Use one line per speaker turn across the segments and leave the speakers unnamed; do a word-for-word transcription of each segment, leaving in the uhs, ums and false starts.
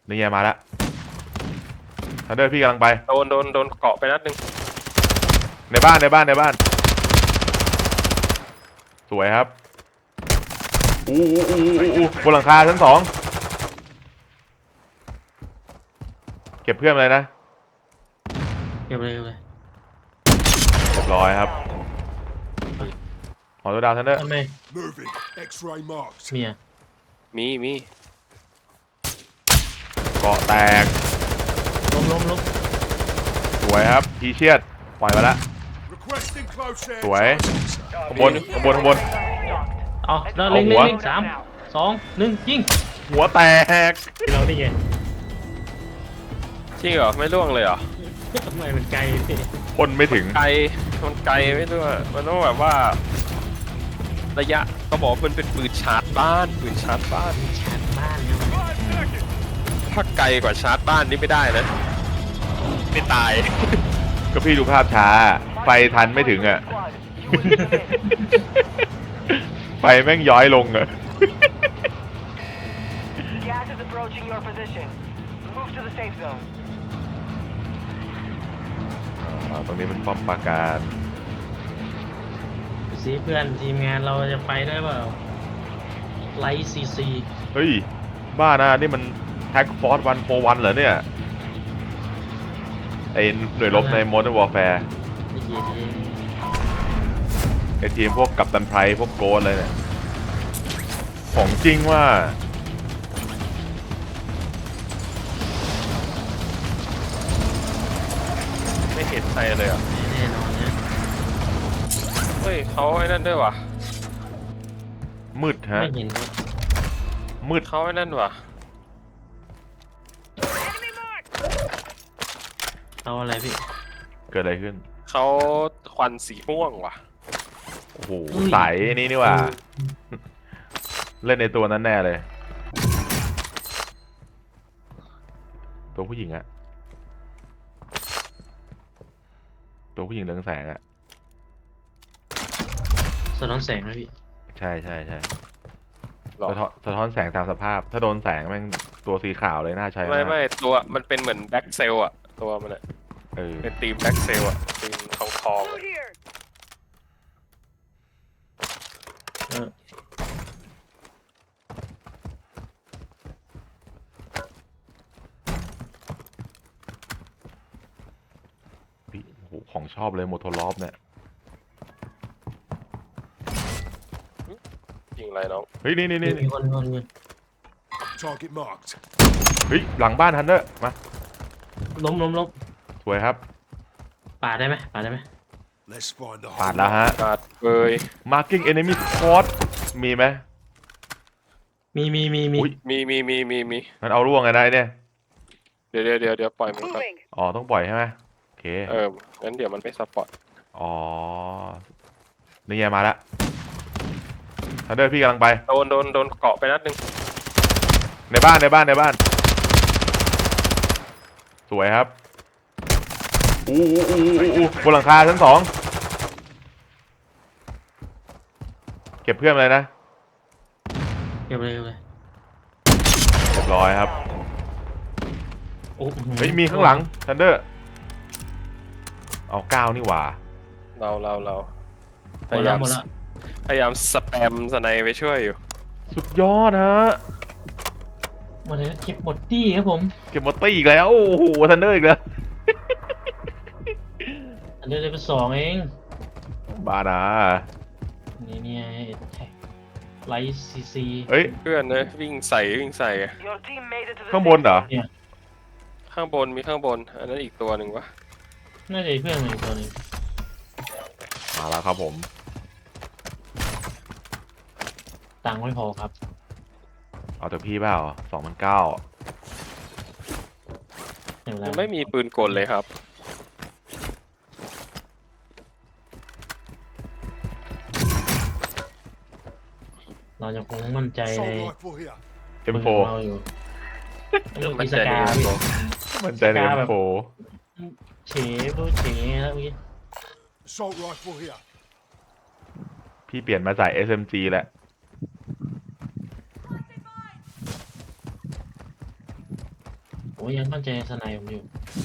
นี่ไงมาแล้วทันเดอร์พี่กำลังไป
โดนโดนโดนเกาะไปนัดหนึ่ง
ในบ้านในบ้านในบ้านสวยครับอู้อู้อู้อู้อู้บนหลังคาชั้นสองเก็บเพื่อนเลยนะ
เก็บเลยเก็บเลย
เรียบร้อยครับขอตัวดาวทันเดอร์
ทำไม
Moving. X-ray marked.
เมีย
มีมี
เกาะแตก
ล้มล้มล้ม
สวยครับพีเชียดปล่อยมาแล้ว
Requesting close air.
สวยข้างบนข้างบนข้างบน
เอาแล้วเล็ง
เอาหั
เล็ง
ว
เล็งสามสองหนึ่งยิง
หัวแตก
เราได้ไง
จริงเหรอไม่ล่วงเลยเหรอ
ทำไมมันไกลพี่
พ่นไม่ถึง
ไกลมันไกลไม่รู้อะมันต้องแบบว่า ระยะเขาบอกว่ามันเป็นปืนชาร์จบ้านปืนชาร์จบ้าน
ชาร์จบ้านเนี่ย
ถ้าไกลกว่าชาร์จบ้านนี่ไม่ได้นะไม่ตาย
ก็พี่ดูภาพช้าไฟทันไม่ถึงอ่ะ ไฟแม่งย้อยลงอ่ะ
Gas is approaching your position. Move to the safe zone.
อ่าตรงนี้เป็นป้อมปราการ
สิเพื่อนทีมงานเราจะไปได้เปล่าไลท์ซีซี
เฮ้ยบ้านะนี่มันแท็กฟอร์สวันโฟวันเหรอเนี่ยไอหน่วยรบใน Modern Warfare
ไอ้เหี้ยเอง
ไอทีมพวกกัปตันไพรพวกโกดเลยเนี่ยของจริงว่า
ไม่เห็นใครเลยอ่ะ
แน่นอนนะ
เฮ้ยเขาไอ้นั่นด้วยวะ
มืดฮะ
ไม่เห็นด้วย
มืด
เขาไอ้นั่นวะ
เอาอะไรพี่
เกิดอะไรขึ้น
เขาควันสีม่วงว่ะ
โอ้โหใสนี่นี่ว่า เล่นในตัวนั้นแน่เลย ตัวผู้หญิงอะตัวผู้หญิงเรืองแสงอะ
สะท้อนแสงนะพี่
ใช่ใช่ใช่
หรอ
สะท้อนสะท้อนแสงตามสภาพ ถ้าโดนแสงแม่งตัวสีขาวเลยน่าใช้
ไม่
มาก
ไม่ตัวมันเป็นเหมือนแบ็กเซลอะตัวมันอะ
เออ
เป็นทีมแบ็กเซลอะทีมทองทองอะ
เออ
พี่โอ้โหของชอบเลยโมโทรลอฟเนี่ย
ยิงอะไรน้อง
เฮ้ยนี่นี่นี่
มีคนมีคนมีคน
Target marked.
เฮ้ยหลังบ้านทันเดอร์มา
ล้มล้มล้ม
สวยครับ
ปาดได้ไหมปาดได้ไหม
Let's find the
ปาด
hole.
แล้วฮะ
ขาดเบย
marking enemy spot มีไหม
มีมีมีมี
อุ๊ย
มีมีมีมีมี
มันเอาร่วงไงได้เนี่ย
เดี๋ยวเดี๋ยวเดี๋ยวเดี๋ยวปล่อยมันก่อน
อ๋อต้องปล่อยใช่ไหมโอเค
เอองั้นเดี๋ยวมันไม่ซัพพอร์ต
อ๋อนี่ไงมาแล้วทันเดอร์พี่กำลังไป
โดนโดนโดนเกาะไปนัดหนึ่ง
ในบ้านในบ้านในบ้าน สวยครับอู้อู้อู้อู้อู้บนหลังคาชั้นสองเก็บเพื่อนเลยนะ
เก็บเลยเก็บเลย
เรียบร้อยครับ
โอ้โห
เฮ้ยมีข้างหลังทันเดอร์เอาก้าวนี่หว่า
เราเราเรา
ห
พ
มด
ยา
แล้
ยาว ม
หมดแล้ว
พยายามสแปมสไนไปช่วยอยู่
สุดยอดฮะ
หมดเลยเก็บหมดตี้ครับผม
เก็บมอตตี้อีกแล้วโอ้โหทันเดอร์อีกแล้ว
อันนี้เลยเป็นสองเอง
บานะ
นี่เนี่ยไลท์ซีซี
เฮ้ย
เพื่อนเลยวิ่งใส่วิ่งใส่
Your team made it to the
ข้างบนเหรอ
ข้างบนมีข้างบน อันนั้นอีกตัวหนึ่งวะ
น่าจะเพื่อนมันอีกตัวหนึง
มาแล้วครับผม
ตังค์ไม่พอครับ
เอาแต่พี่เปล่าสองพันเก้า
อย่างไร
ยังไม่มีปืนกลเลยครับ
เราจะคงมั่นใจใน
Assault rifle here.
เอ็มโฟ
เราอยู่
มั
มี
น
ส
ใจ
กา
ใน
พี่
ตัว
มันใจในเอ็มโฟ
เฉพูดเฉแล้วเมื่อกี้
Assault rifle here.
พี่เปลี่ยนมาใส่ เอส เอ็ม จี แล้ว
เโอ้ยยังมั่นใจสไนผมอยู่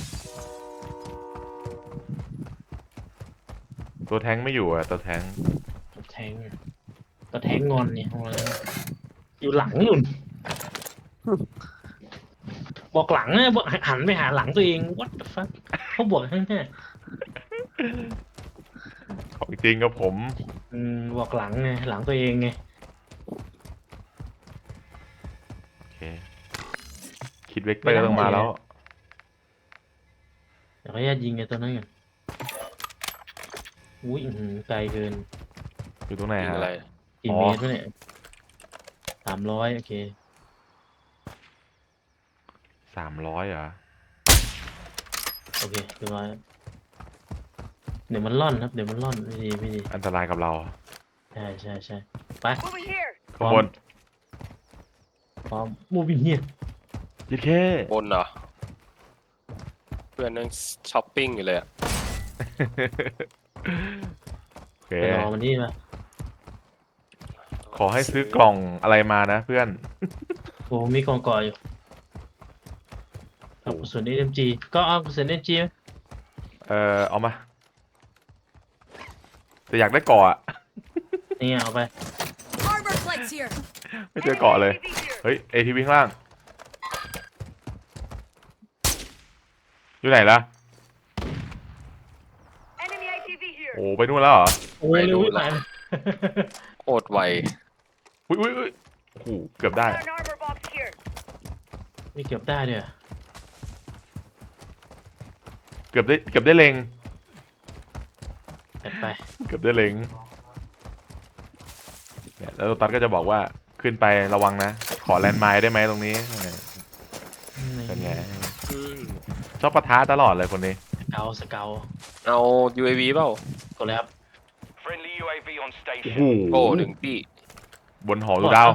ตัวแทงค์ไม่อยู่อ่ะตัวแทงค์
ตัวแทงตัวแทงงอนเนี่ยเอาเลยอยู่หลังนู่นบอกหลังนะบอกหันไปหาหลังตัวเอง what the fuck เขาบอกข้างหน้า
ของจริงกับผม
อืมบอกหลังไงหลังตัวเองไง
โอเคคิดเวกเตอร์ต้องมาแล้ว
เดี๋ยวขออนุญาตยิงไอ้ตัวนั้นก่อนอุ้ยอื้อหือไกลเกิน
อยู่ตรงไหน
ยิง
ฮะ
อะไร
กี่
อ๋อ
เมตรวะเนี่ยสามร้อยโอเค
สามร้อยเหรอ
โอเคเรียบร้อยเดี๋ยวมันล่อนครับเดี๋ยวมันล่อนไม่ดีไม่ดี
อันตรายกับเรา
ใช่ใช่ใช่ไป
Moving here.
ข้างบน
พร้อมมูบิเฮีย
ยิดแค่
บนเหรอ เพื่อนนั่งช้อปปิ้งอยู่เลยอะ
โอเค
ไปรอมันนี่มา
ขอให้ซื้อกล่องอะไรมานะเพื่อน
โอ้มีกองก่ออยู่เอากระสุน เอ็ม จี ก็เอากระสุน เอ็ม จี ไหม
เออเอามาแต่อยากได้เกาะอะ
นี่เอาไป
Armor plates here.
ไม่เจอเกาะเลย เฮ้ยเอทีวีข้างล่าง อยู่ไหนล่ะ
Enemy A T V here.
โอ้ไปนู่นแล้วเหรอ
โอ้ยเร็วไป
โคตรไว
อุ้ยอุ้ยอุ้ยโอ้โหเกือบได้
Got an armor box here.
มีเก็บได้ด้วยเหรอ
เกือบได้เกือบได้เล็ง
จัดไป
เกือบได้เล็งเนี่ยแล้วโรตัสก็จะบอกว่าขึ้นไประวังนะ ขอแลนด์ไมล์ได้ไหมตรงนี้เป็นไงชอบปะทะตลอดเลยคนนี้
สเกาสเกา
เอา ยู เอ วี เปล่า
กดเลยครับ
Friendly U A V on
โอ้
station.
โห
โอ้ถึงที่
บนหอดูดาว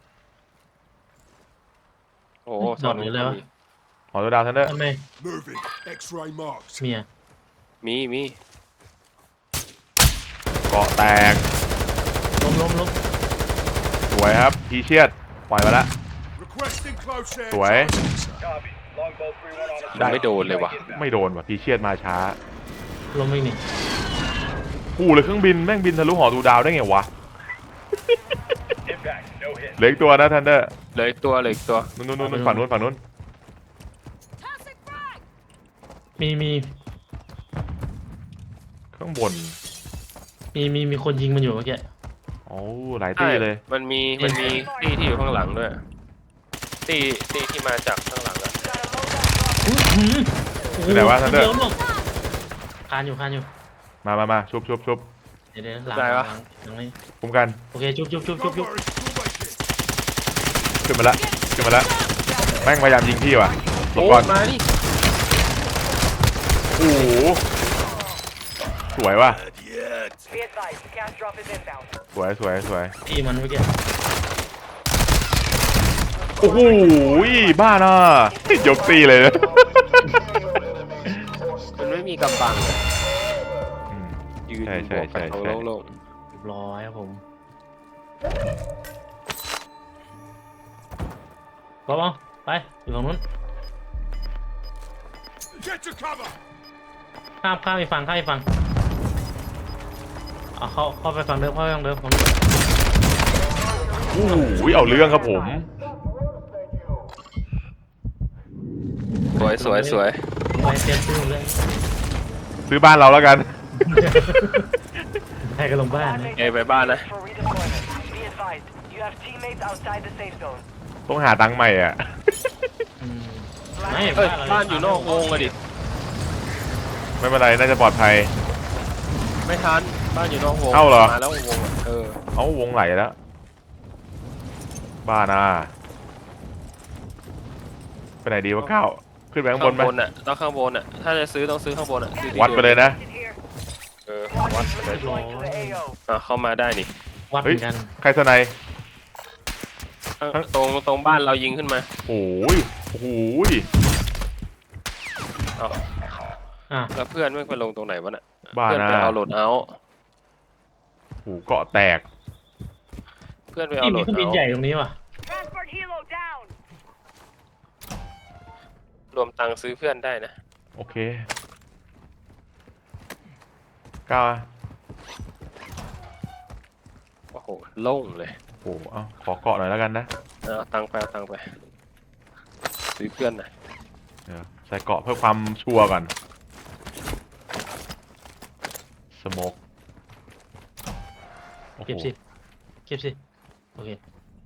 โอ้
จอดหรืออะไรวะ
หอดูดาวทันเดอร์
ทำไม
Moving. X-ray marked.
เมีย
มีมี
เกาะแตก
ล้มล้มล้ม
สวยครับพีเชียดปล่อยมาละ
Requesting close air.
สวย
ได้ไม่โดนเลยว่ะ
ไม่โดนว่ะพีเชียดมาช้า
ล้มไม่หนี
กูเลยเครื่องบินแม่งบินทะลุหอดูดาวได้ไงวะเหลืออีกตัวนะทันเดอร์
เหลยตัวเหลยตัว
นู่นนู่นนู่นฝั่งนู้นฝั่งนู้น
Toxic frag.
มีมี
ข้างบน
มีมีมีคนยิงมันอยู่เมื่อกี้
โอ้หลายที่เลย
มันมีมันมีตี้ที่อยู่ข้างหลังด้วยตี้ตี้ที่มาจากข้างหลังอะ
Got a loadout drop.
อื้อหือโอ้โ
อยู่ไหนวะ Thunder
เดี๋ยวลงคานอยู่คานอยู่
มามามาชุบชุบชุบ
เดี๋ยวเดี๋ยวหลัง
ได้
หลั
ปะ
งหลังนี้
คุ้มกัน
โอเคจุ๊บจุ๊บจุ๊บ
No
จุ๊บจุ๊บ
worries. We'll make it.
ขึ้นมาละขึ้นมาละแม่งพยายามยิงพี่ว่ะหล
โอ้
บก่อน
มาดิ
โอ้โหสวยว่ะ
Be advised, gas drop is inbound.
สวยสวยสวย
ที่มันเมื่อกี้
โอ้โหบ้าน่ะยกตีเลยนะ
มันไม่มีกำบังอะ
อืม
ยืน
ใช่ใช่
บวกกัน
ใช่
เอา
ใช่
โล่ง
เรียบร้อยครับผมก็เอาไปอยู่ฝั่งนู้น
Get to cover.
ข้ามข้ามไปฝั่งข้ามไปฝั่งเอาเข้าเข้าไปฝั่งเดิมเข้าไปฝั่งเดิมฝั่งเดิม
โอ้โหเอาเรื่องครับผม
ๆสวยสวยสวย
ไปเตรียมซื้อเลย
ซื้อบ้านเราแล้วกัน
ให้กันลงบ้านนะ
เอยไปบ้านนะ
For redeployment. Be advised, you have teammates outside the safe zone.
ต้องหาตังค์ใหม่อ่ะ
อืมไม่
เอ้ย
เรา
บ้านอยู่นอกวงอะดิ
ไม่เป็นไรน่าจะปลอดภัย
ไม่ทันบ้านอยู่นอกวง
เอ้าเหรอ
มาแล้ววงอะเออ
เอาวงไหลแล้ว บ้าน่ะไปไหนดีวะก้าวขึ้นไปข้างบนไหม
ข้างบนอ่ะต้องข้างบนอ่ะถ้าจะซื้อต้องซื้อข้างบนอ่ะซื้อที่
วัดไปเลยนะ
Is here.
เออ
Squad
วัด
mates
ไปเลย
deploying to the A O.
อ่ะเข้ามาได้นี่
วัดเหมือนกัน
ใครสไนย
ข้างตรงตรงบ้านเรายิงขึ้นมา
โอ้ยโอ้โห
เอา
อ่ะ
แล้วเพื่อนไม่ไปลงตรงไหนวะน่ะ
บ้า
เพื่อน
น่ะ
ไปเอาโหลดเอาท์
โอ้โหเกาะแตก
เพื่อนไปเอา
นี่
โหล
มี
ด
เครื่องบิน
เอาท์
ใหญ่ตรงนี้ว่ะ
Transport helo down.
รวมตังค์ซื้อเพื่อนได้นะ
โอเคก้าวอะ
โอ้โหโล่งเลย
โอ้โหเอาขอเกาะหน่อยแล้วกันนะ
เอาตังค์ไปเอาตังค์ไปซื้อเพื่อนหน่อย
เดี๋ยวใส่เกาะเพื่อความชัวร์ก่อนสโมกโอ้โห
เก็บสิเก็บสิโอเค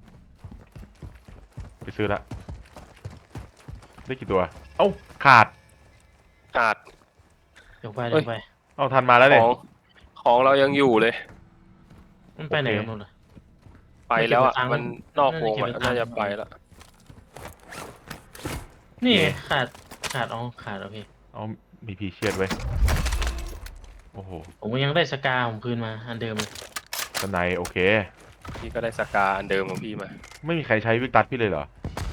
ไปซื้อละได้กี่ตัว เอ้าขาด
กาด
เดี๋ยวไป
เอ้
เดี๋
ย
ยวไป
เอาทันมาแล้ว
ข
เนี่ย
องของเรายังอยู่เลย
มันไปไหน
โอเค
กันหมดเลย
ไปแล้วอ่ะ
ไม่เก็บตังค์
มันนอกวง
น่า
อ่ะ
จะเก็บตังค์
น่าจะไปแล้ว
นี่
โอเค
ขาดขาดอ๋อขาดโอเค
เอามีพีเชียดไว้ยโอ้โห
ผมก็ยังได้สกาผมคืนมาอันเดิมเลย
สไนโอเค
พี่ก็ได้สกาอันเดิมของพี่มา
ไม่มีใครใช้วิกตัสพี่เลยเหรอ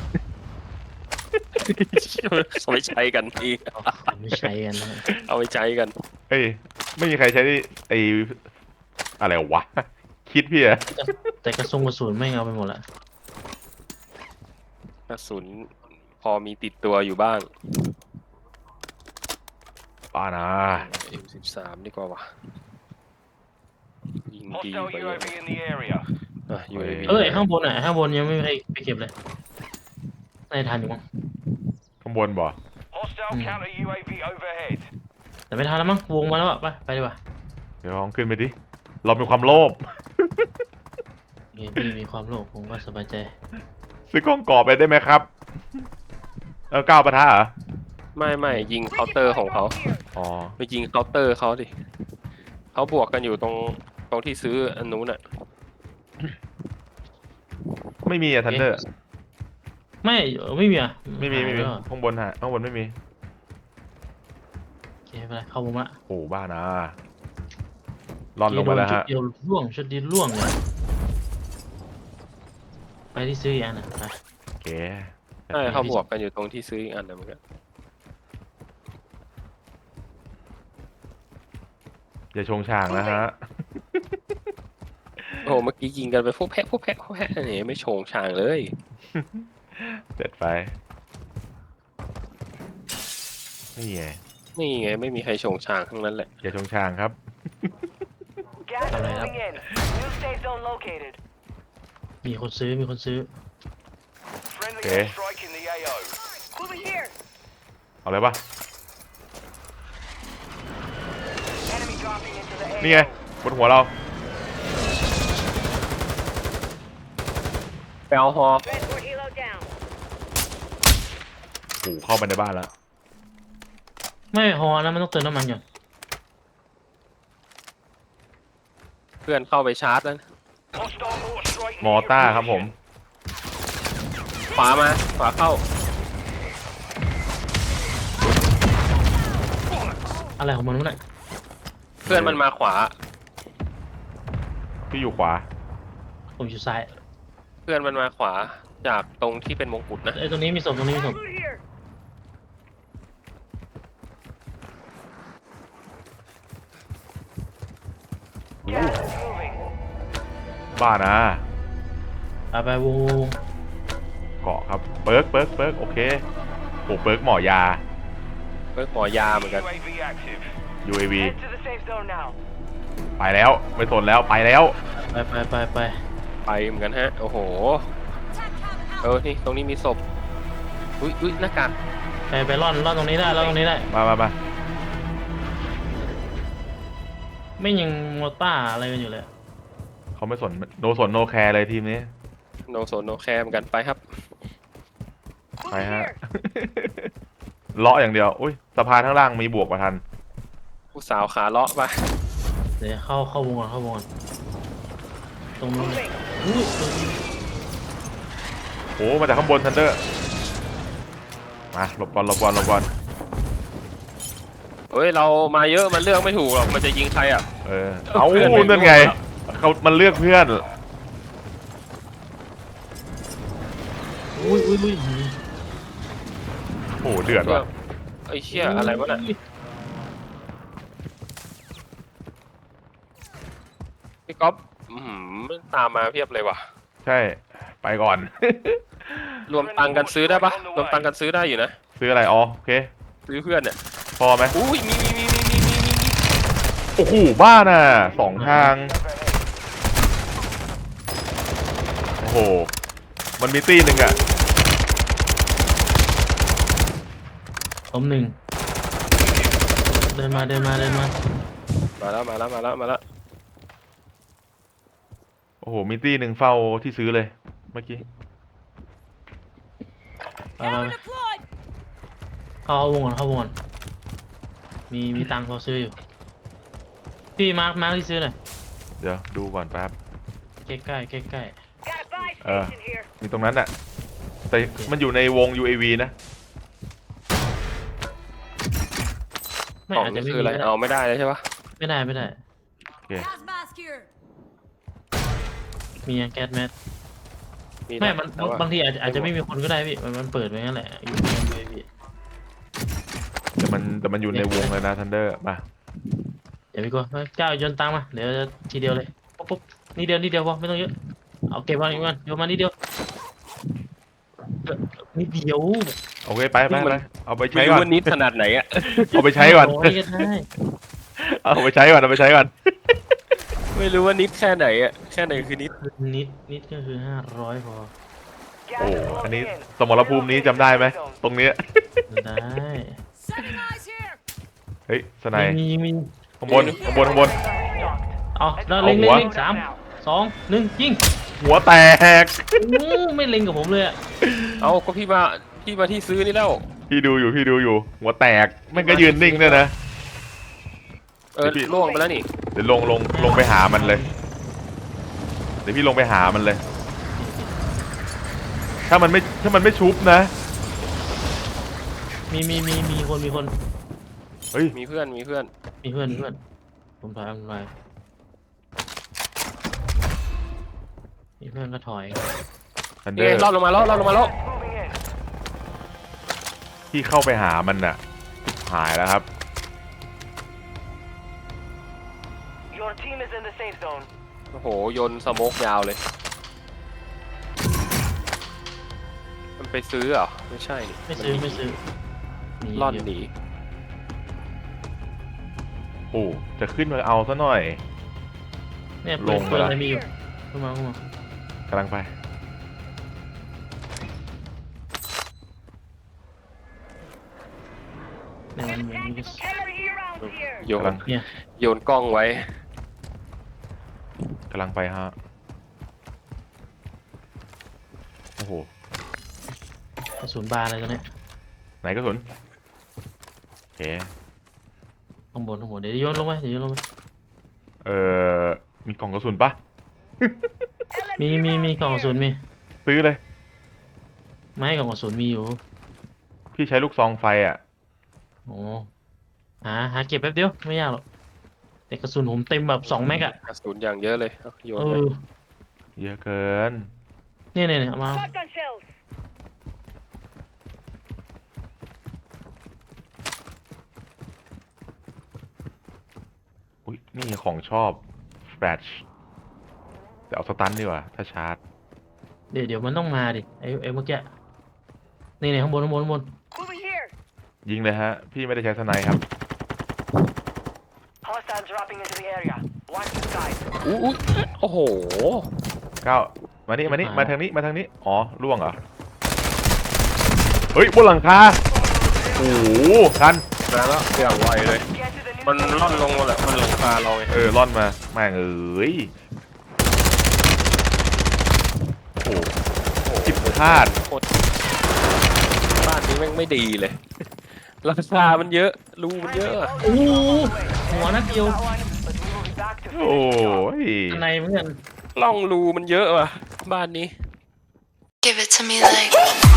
เอาไปใช้กันพี่
เอาไม่ใช้กันนะ
เอาไปใช้กัน
เอ้ยไม่มีใครใช้ไออะไรวะ คิดพี่อะ
แต่กระสุนกระสุนไม่เอาไปหมดละ
กระสุนพอมีติดตัวอยู่บ้าง
ป้านะ
เอ็ม สิบสาม ดีกว่าวะยิงดี
Hostile
ไป
U A V in the area.
อ่ะ ยู เอ วี
เอ้ยข้างบนอ่ะข้างบนยังไม่มีใครไปเก็บเลยน่าจะทันอยู่มั้ง
ข้างบนบ่
Hostile
Hmm.
counter U A V overhead.
แต่ไม่ทันแล้วมั้งวงมาแล้วอ่ะไปไปดีกว่า
เดี๋ยวลองขึ้นไปดิเรามีความโลภ
โอเคพี่มีความโลภผมก็สบายใจ
ซื้อกล้องกรอบไปได้ไหมครับ เออก้าวปะทะเหรอ
ไม่ไม่ยิงเคาน์เตอร์ของเขา
อ๋อ
ไปยิงเคาน์เตอร์เขาดิเขาบวกกันอยู่ตรงตรงที่ซื้ออันนู้นอ่ะ
ไม่มีอะทันเดอร์
ไม่เออไม่มีอ่ะ
ไม่มีไม่มี
หายแล้ว
ข้างบนฮะข้างบนไม่มี
โอเคไม่เป็นไรเข้าวงละ
โอ้บ้านะรอนลงมาแล้วฮะ
ชุดเดียวล่วงชุดเดียวล่วงเลยไปที่ซื้ออีกอันนะไป
โอเค
ใช่เขาบวกกันอยู่ตรงที่ซื้ออีกอันนะเหมือนกัน
อย่าชงช่างนะฮะ
โอ้โหเมื่อกี้ยิงกันไปพวกแพะพวกแพะพวกแพะนี่ไม่โฉงฉางเลย
เด็ดไปนี่ไง
นี่ไงไม่มีใครโฉงฉางทั้งนั้นแหละ
อย่าชงช่างครับ
Gas is moving in. New safe zone located.
มีคนซื้อมีคนซื้อ
Friendly
Okay.
airstrike in the A O.
Over here.
เอาเลยปะ
Enemy dropping into the
นี่ไง
A O.
บนหัวเรา
ไปเอาฮอ
Transport helo down.
โอ้โหเข้าไปในบ้านแล้ว
ไม่ฮอนะมันต้องเติมน้ำมันก่อน
เพื่อนเข้าไปชาร์จแล้ว
Hostile mortar strike
มอ
near your
ต้าครับผม
position.
ขวามาขวาเข้า
อะไรของมันวะเนี่ย
เพื่อนมันมาขวา
พี่อยู่ขวา
ผมอยู่ซ้าย
เพื่อนมันมาขวาจากตรงที่เป็นมงกุฎนะ
ไอ้ยตรงนี้มีศพตรงนี้มีศพ
Over here.
อู้
Gas is moving.
บ้านะ
ไปไปวงวงวง
เกาะครับ เปิร์กเปิร์กเปิร์กโอเคโอ้เปิร์กหมอยา
เพื่อนหมอยาเหมือนกัน
U A V active.
ยู เอ วี
Head to the safe zone now.
ไปแล้วไม่สนแล้วไปแล้ว
ไปไปไปไป
ไปเหมือนกันฮะ โอ้โห
Attack cabin
เอ
out.
อ นี่ตรงนี้มีศพ อุ้ยอุ้ยหน้ากาก
ไปไปร่อนร่อนตรงนี้ได้ร่อนตรงนี้ได้
มามามา
ไม่ยังมอต้าอะไรกันอยู่เลย
เขาไม่สนโนสนโนแคร์เลยทีมนี้
โนโซโนแคร์เหมือนกันไปครับ
ไป
Over
ฮะ
here.
เลาะอย่างเดียว อุ้ยสะพานข้างล่างมีบวกมาทัน
ผู้สาวขาเลาะไป
เดี๋ยวเข้าเข้าวงก่อนเข้าวงก่อนตรงนู้นเลย
Moving.
อุ้ยตรงนี้
โอ้มาจากข้างบนทันเดอร์ มาหลบก่อนหลบก่อนหลบก่อน
เฮ้ย เรามาเยอะมันเลือกไม่ถูกหรอกมันจะยิงใครอ่ะ
เออ เอา
เพื่อนไม่
นั่นไง
รู้อะ
เขามันเลือกเพื่อน
อุ้ยอุ้ยอุ้ย
โอ้โหเดือดว่ะ
ไอ้เชี่ยอะไรวะน่ะพี่ก๊อฟอื้อหือตามมาเพียบเลยว่ะ
ใช่ ไปก่อน
รวมตังค์กันซื้อได้ปะรวมตังค์กันซื้อได้อยู่นะ
ซื้ออะไรอ๋อโอเค
ซื้อเพื่อนเนี่ย
พอไหม
อุ้ยมีมีมีมีมีมีมีมี
โอ้โหบ้าน่ะสองทางโอ้โหมันมีตีหนึ่งอะ
ล้มหนึ่งเดินมาเดินมาเดินมา
มาแล้วมาแล้วมาแล้วมาแล้ว
โอ้โหมีตีหนึ่งเฝ้าที่ซื้อเลยเมื่อกี้
ไปไปไปเข้าวงก่อนเข้าวงก่อนมีมีตังค์พอซื้ออยู่พี่มาร์คมาร์คที่ซื้อหน่อย
เดี๋ยวดูก่อนแป๊บ
ใกล้ใกล้ใกล้ใกล้
Got a buy
Uh.
station here.
มีตรงนั้นอะแต่มันอยู่ในวง ยู เอ วี นะ
ไม่
กล่อง
อาจจะ
นี่
ไม่
คือ
มี
อะไร
ก็ได้
เอาไม่ได้เลยใช่ปะ
ไม่ได้ไม่ได้
โอเค
Gas mask here.
มีแก๊สแมส
มี
ไม่
นะ
มัน
แต่ว่า
บางทีอาจจะอาจจะไม่มีคนก็ได้พี่มันมันเปิดไว้งั้นแหละอยู่ในเวที
แต่มันแต่มันอยู่ในวงเลยนะทันเดอร์มา
เดี๋ยวพี่กลัวเจ้าโยนตังค์มาเดี๋ยวจะทีเดียวเลยปุ๊บปุ๊บนี่เดียวนี่เดียวพอไม่ต้องเยอะเอาเก็บมาอีกวันโยนมานี่เดียวเออนิดเดียว
โอเคไปไปไปเอาไป
ไม่
ใช้
รู้
ก่อน
ว่านิดขนาดไหนอะ
เอาไปใช้ก่อน
โยก็ได้
เอาไปใช้ก่อนเอาไปใช้ก่อน
ไม่รู้ว่านิดแค่ไหนอะแค่ไหนคือนิด
นิดนิดก็คือห้าร้อยพอ
โอ้อันนี้สมรภูมินี้จำได้ไหมตรงเนี้ย
ได้
Setting eyes here.
เฮ้ยสไน
มี
ป์
มีมี
ข้างบนข้างบนข้างบน
เอาแล้วเล็ง
เอาหั
เล็ง
ว
เล็งสามสองหนึ่งยิง
หัวแตก
อู้ไม่เล็งกับผมเลยอะ
เอาก็พี่มาพี่มาที่ซื้อนี่แล้ว
พี่ดูอยู่พี่ดูอยู่ หัวแตกแม่งก็ยืนนิ่งด้วยนะ
เออ
พี่
ล่วงไปแล้วนี่
เดี๋ยวลงลงลงไปหามันเลย เดี๋ยวพี่ลงไปหามันเลย ถ้ามันไม่ถ้ามันไม่ชุบนะ
มีมีมีมีคนมีคน
เฮ้ย
มีเพื่อนมีเพื่อน
มีเพื่อนมีเพื่อนผมถอยผมถอยมีเพื่อนก็ถอย
ทันเด
นี่
อ
ไง
ร์
รอดลงมาแล้วรอดลงมาแล้ว
Moving in.
พี่เข้าไปหามันน่ะ หายแล้วครับ
Your team is in the safe zone.
โอ้โหโยนสโมกยาวเลย มันไปซื้อเหรอไม่ใช่นี่
ไม่ซื้อไม่ซื้อหนี
ร่อน
เดี๋ยว
หนี
โอ้จะขึ้นมาเอาซะหน่อย
เนี่ย
ล
ปืน
งไป
ปืน
ละ
อะไรมีอยู่ขึ้นมาขึ้นมาก
ำลังไป
เนี่ยมันมันมี
Enemy around here.
โย
กำลั
น
ง
เนี่ย
โยนกล้องไว้
กำลังไปฮะ โอ้โห
กระสุนบาร์อะไรตัวเนี้ย
ไหนกระสุนโอเค
ข้างบนข้างบนเดี๋ยวโยนลงไปเดี๋ยวโยนลงไป
เอ่อ มีกล่องกระสุนปะ
มีมีมีกล่องกระสุนมี
ซื้อเลย
ไม่กล่องกระสุนมีอยู่
พี่ใช้ลูกซองไฟอ่ะ
โอ้หาหาเก็บแป๊บเดียวไม่ยากหรอกแต่กระสุนผมเต็มแบบสองแม็กอะ
กระสุนอย่างเยอะเลยเอาโยน
เอ
ไป
อ
เยอะเกิน
เนี่ยเนี่ยเนี่ยเอามา
Shotgun shells.
อุ้ยนี่ของชอบแฟลชแต่เอาสตันดีกว่า ถ้าชาร์จ
เดี๋ยวเดี๋ยวมันต้องมาดิไอ้ไอ้เมื่อกี้นี่เนี่ยข้างบนข้างบนข้างบน
Moving here.
ยิงเลยฮะ พี่ไม่ได้ใช้สไนครับ
Hostiles dropping into the area. Watch the skies.
อู้อู้โอ้โห
ก้าวมานี่มานี่มาทางนี้มาทางนี้ อ๋อล่วงเหรอ เฮ้ยบนหลังคา โอ้โหกัน
มาแล้วอย่างไวเลย
Get to the new
มัน
safe
ร่อน
zone.
ลงมาแหละมันหลังคาเราไง
เออร่อนมาแม่งเอ้ยโอ้โหจิบพลาด
โคตรบ้านนี้แม่งไม่ดีเลยราคามันเยอะรูมันเยอะอะ
โอ้โหหัวนัดเดียว
That one, but we will be back to
โอ้ย
ข้างในเหมือนกัน
ล่องรูมันเยอะว่ะบ้านนี้
Give it to me like